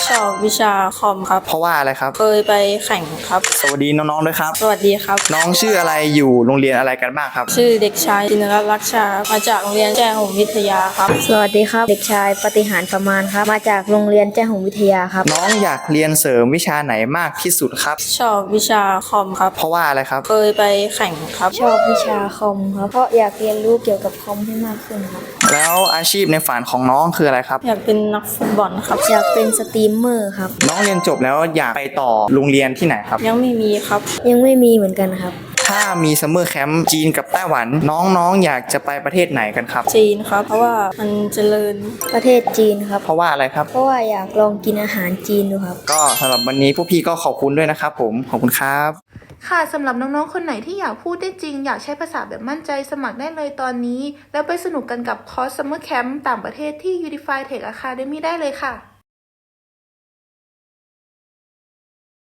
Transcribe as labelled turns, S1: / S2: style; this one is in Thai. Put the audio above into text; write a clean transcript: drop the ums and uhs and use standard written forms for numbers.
S1: ชอบวิชาคอมครับ
S2: เพราะว่าอะไรครับ
S1: เคยไปแข่งครับ
S2: สวัสดีน้องๆด้วยครับ
S1: สวัสดีครับ
S2: น้องชื่ออะไรอยู่โรงเรียนอะไรกันบ้างครับ
S1: ชื่อเด็กชายจินรัตน์ลักษณ์ชามาจากโรงเรียนแจ้หงส์วิทยาครับ
S3: สวัสดีครับเด็กชายปฏิหารประมาณครับมาจากโรงเรียนแจ้หงส์วิทยาครับ
S2: น้องอยากเรียนเสริมวิชาไหนมากที่สุดครับ
S1: ชอบวิชาคอมครับ
S2: เพราะว่าอะไรครับ
S1: เคยไปแข่งครับ
S3: ชอบวิชาคอมครับเพราะอยากเรียนรู้เกี่ยวกับคอมให้มากขึ้นครับ
S2: แล้วอาชีพในฝันของน้องคืออะไรครับ
S1: อยากเป็นนักฟุตบอลครับ
S3: อยากเป็นสตรีมเมอร์ครับ
S2: น้องเรียนจบแล้วอยากไปต่อโรงเรียนที่ไหนครับ
S1: ยังไม่มีครับ
S3: ยังไม่มีเหมือนกันครับ
S2: ถ้ามีซัมเมอร์แคมป์จีนกับไต้หวันน้องๆอยากจะไปประเทศไหนกันครับ
S1: จีนครับเพราะว่ามันเจริญ
S3: ประเทศจีนครับ
S2: เพราะว่าอะไรครับ
S3: เพราะว่าอยากลองกินอาหารจีนดูครับ
S2: ก็สำหรับวันนี้พวกพี่ก็ขอบคุณด้วยนะครับผมขอบคุณครับ
S4: ค่ะสำหรับน้องๆคนไหนที่อยากพูดได้จริงอยากใช้ภาษาแบบมั่นใจสมัครได้เลยตอนนี้แล้วไปสนุกกันกับคอร์ส Summer Camp ต่างประเทศที่ Unify Tech Academy ได้เลยค่ะ